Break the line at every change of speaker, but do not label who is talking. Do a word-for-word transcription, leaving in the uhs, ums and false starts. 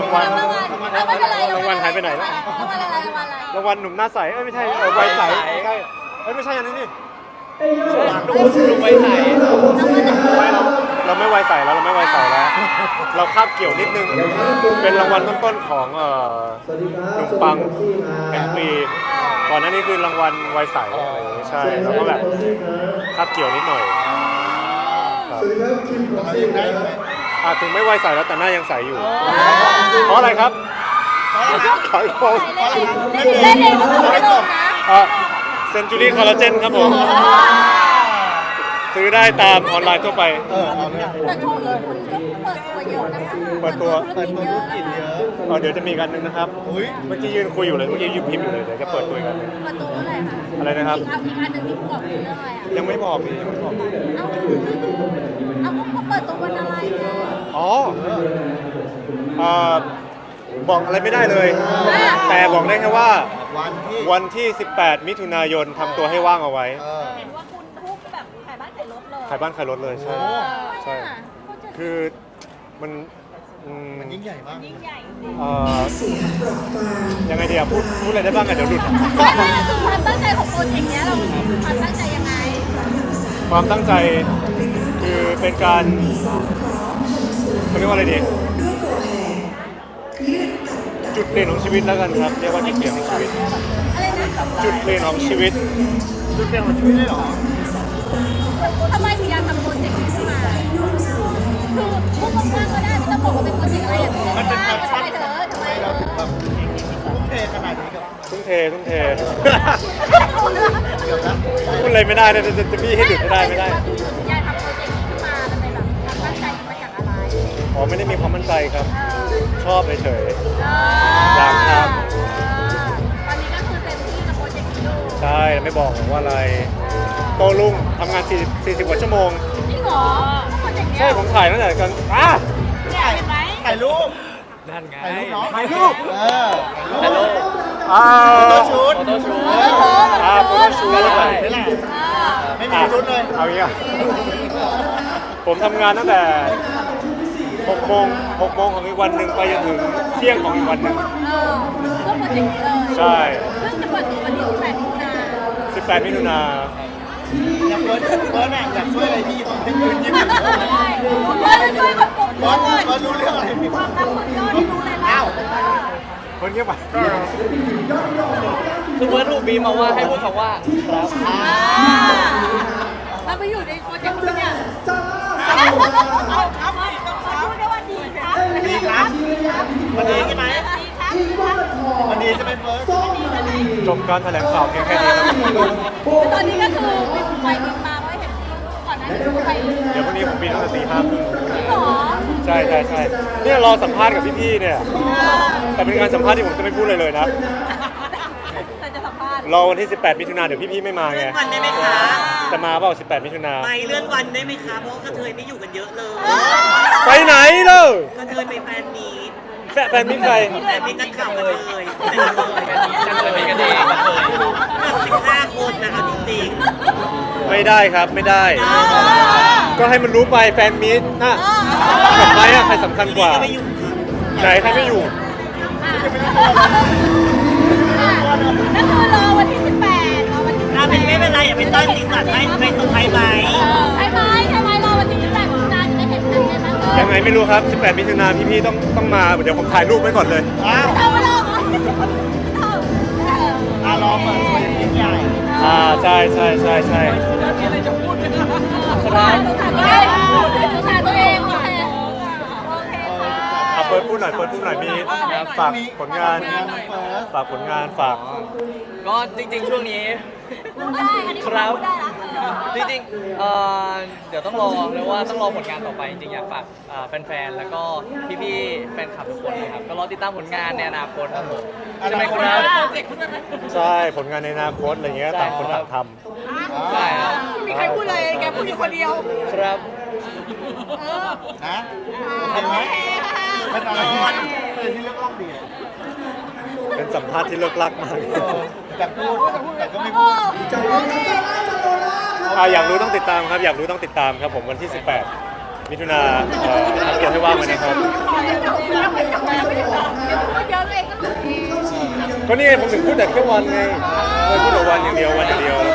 างวัล
รางวัลเอาไม่เป็นไร
รางวัลหายไปไหนแล้ว
รางวัลอะไรรางวัลอะไร
รางวัลหนุ่มหน้าใสเอ้ยไม่ใช่เออวัยใสใช่เอ้ยไม่ใช่อันนี้นี่
ดูดูไปไหน
ไม่เราเราไม่วัยใสแล้วเราไม่วัยใสแล้ว เราคาบเกี่ยวนิดนึงเป็นรางวัลต้นๆของเอ่อหนุ่มปังแห่งปีก่อนหน้านี้คือรางวัลวัยใสอะไรอย่างงี้ใช่แล้วก็แบบคาบเกี่ยวนิดหน่อยครับอ่ะถึงไม่วัยใสแล้วแต่หน้ายังใสอยู่เพราะอะไรครับขายของ
เล่นเองก็ต้องไม่ลงนะ
อ่ะเซนจูรี่คอลลาเจนครับผมซื้อได้ตามออนไลน์ทั่วไป
แต่ช่วงนี้คุณก็เปิดตัวเยอะนะคะ
เปิดตัว
เปิดธุรกิจเยอะ
เออเดี๋ยวจะมีกันหนึงนะครับเมื่อกี้ยืนคุยอยู่เลยเมื่อกี้ยืนพิมพ์อยู่เลยเดี๋ยวจะเปิดตัวอีกอันหนึง
เปิดตัวเมื่อไหร่คะ
อะไรนะครับ
อีกอันหนึ่งที่บอกคือเรื่องอะไรอ่ะ
ยังไม่บอกพี่ยังไม่บอก
เอ้าเอาเขาเปิดตัววันอะไรอ่ะ
อ๋อเอ่อบอกอะไรไม่ได้เลย แต่บอกได้แค่ว่า
วันที่
วันที่ สิบแปด มิถุนายนทำตัวให้ว่างเอาไว้
เออ
เห็นว่าคุณทุกแบบขายบ้านขายรถเลย
ขายบ้านขายรถเลยใช่ใช่คือมันอืม
มันยิ่งใหญ่มาก
ยิ่งใหญ่
เอ่อยังไงดีอะพูดพูดอะไรได้บ้างอะเดี๋ยวหลุด
ไม่ไม่คือความตั้งใจของโปรเจกต์เนี้ยเราความตั้งใจยังไง
ความตั้งใจคือเป็นการเขาเรียกว่าอะไรดีจุดเปลี่ยนของชีวิตแล้วกันครับเรียกว่าจุดเปลี่ยนของชีวิต
อะไรนะ
จุดเปลี่ยนของชีวิต
จุดเปลี่ยนของชีวิตเลยเหรอ
ทำไมถึงอยากทำโปรเจกต์นี้ขึ้นมาคือพูดกว้างๆก็ได้ไม่ต้องบอกว่าเป็นโปรเจกต์อะไรอย่างเงี้ย
มันเป็น
ว่า
แพช
ทำ
ชั่น
ไมเธอทำไม
เรา
เธ
ถึง
อ
แบบทุ่มเทขนาดนี้กับ
ทุ่มเททุ่มเท
เดี๋ยวนะ
พูดอะไรไม่ได้นะจะจะจะพี่ให้หยุดไม่ได้ไม่ได้
อยากทำโปรเจกต์นี้ขึ้นมามันเป็นแบบความตั้งใจมาจากอะไร
อ๋อไม่ได้มีความมั่นใจครับ ชอบเฉย
เออ
อยากท
ตอนนี้ก็คือเต็มที่กับโปรเจกต์นี้อยู่
ๆใช่ไม่บอกหรอกว่าอะไร โตลุ่งทำงาน40 40กว่าชั่วโมง
จริงเหรอโปรเจกต์เนี้ย
ใช่ผมถ่ายตั้งแต่กันอ่ะ
เนี่ยเห็นไหม
ถ่ายรูป
นั่นไง
ถ่ายรูปเนาะถ่ายรูปเออถ่ายรูป
อ่า
โฟโต้ชูต
โฟโต้ชูต
โอ้โห
อ่าโฟโต้ชูต
นี่
ได้
แหละไม่มี
อ่ะ
ชุดเลย
เอาอย่างเงี้ยผมทำงานตั้งแต่6โมง6โมงของอีกวันหนึ่งไปจนถึงเที่ยงของอีกวันหนึ่ง
เออเพื่อโปรเจกต์นี้เลย
ใช่
ซึ่งจะเปิดตัววันที่สิบแปดมิถุนายน
สิบแปดมิถุนา
อยากเฟิร์สเฟิร์สน่ะอยากช่วยอะไรพี่ตอนที่ยืนยิ้มอยู่
คุณพ่อจะช่วยคนปลุก
เฟิ
ด้
ร์ส
วย
เฟิร์สรู้เรื่องอะไรพี่
ความรักคนยอดที่รู้เลยนะ
อ้าว
คนเงียบไป
คือเบิร์ดถูกบีมมาว่าให้พูดคำว่าครับ
อ่าแล้วไปอยู่ในโปรเจกต์คุณเนี่ยเอาเอาเอาพูดได้ว่าดีครับ
ดีครับวันนี้ใช่ไหม
ดีครับดีครับ
วันนี้จะเป็นเฟิร์ส
จบการแถลงข่าวเพียงแค่นี้ครับ
ตอนนี้ก็คือบินไปบินมาเพราะเห็นก่อนหน้านี้ไปจริง
เดี๋ยวพรุ่งนี้ผมบินตั้งแต่ตีห้าครึ่ง
เหรอ
ใช่ใช่ใช่เนี่ยรอสัมภาษณ์กับพี่ๆเนี่ย แต่เป็นการสัมภาษณ์ที่ผมจะไม่พูดเลยเลยนะ
แต่จะสัมภาษณ์
รอวันที่ สิบแปด มิถุนาเดี๋ยวพี่ๆไม่มาไง
วันได้ไหมคะ
จะมาเปล่าสิบแปด มิถุนา
ไปเลื่อนวันได้ไหมคะ เพราะว่ากระเทยไม่อยู่กันเยอะเลย
ไปไหนเล่ะ
กระเทยไปแฟนมีต
แฟนแฟนมิตรใคร
แฟนมีตนักข่าวกระเทยแต่กระเทย
จังเลยเป็นกันเองกันเลย
สิบห้าคนนะเอาจริง
ไม่ได้ครับไม่ได้ ก็ให้มันรู้ไปแฟนมิตรนะทำไมอะใครสำคัญ
ๆ
กว่า
ก็ไม่อยู่ค่ะ
ไหนใครไม่อยู่
ก็คือรอวันที่สิบแปดรอวันที่สิบ
ถ้า
แป
เป็น
ด
ไม่เป็นไรอย่าไปต้อนสีสันให้ไปสุดท้ายไหม
ใช่ไหมใช่ไหมรอวันที่สิบแปดมิถุนายนจะได้เห็นกันใช่ไหมเออ
ยังไงไม่รู้ครับ สิบแปด มิถุนาพี่ๆต้องต้องมา เดี๋ยวผมถ่ายรูปไว้ก่อนเลย
อ้าว
เอามาลอง
อ่ะรอเปิดตัวอย่างยิ่งใหญ่
อ่าใช่ใช่ใช่ใช่
สงสารตัวเองสงสารตัวเองโอเคโอเคค่ะ
เอาเปิดพูดหน่อยเปิดพูดหน่อยมีฝากผลงาน
เฟิร์ส
ฝากผลงานฝาก
ก็จริงๆช่วงนี้
ได้อันนี้
ครับ
ได้ละ
จริงๆเอ่อเดี๋ยวต้องรอเรียกว่าต้องรอผลงานต่อไปจริงๆอยากฝากเอ่อแฟนๆแล้วก็พี่ๆแฟนคลับทุกคนเลยครับก็รอติดตามผลงานในอนาคตครับผมใช่ไหมครับ
ใช่ผลงานในอนาคตอะไรเงี้ยต่างคนต่างท
ใช่ครับ
มีใครพูดเลยแกพูดอยู่คนเดียว
ครับ
นะโอเคไหมเป็นอะไรที่เป็นที่เลือกรอบดีอ่ะ
ำเป็นสัมภาษณ์ที่เลิกลักมาก
เอออยากพูดแต่ก็ไม่พูด
อ่าอยากรู้ต้องติดตามครับ อยากรู้ต้องติดตามครับผมวันที่ สิบแปดมิถุนาเอ่อทำตัวให้ว่างไว้นะครับ
เราไม่จับเราไม่จับเราพูดเยอะเลยก็หลุดเอง
ก็นี่ไงผมถึงพูดแต่แค่วันไงเลยพูดแต่วันอย่างเดียววันอย่างเดียวอะไร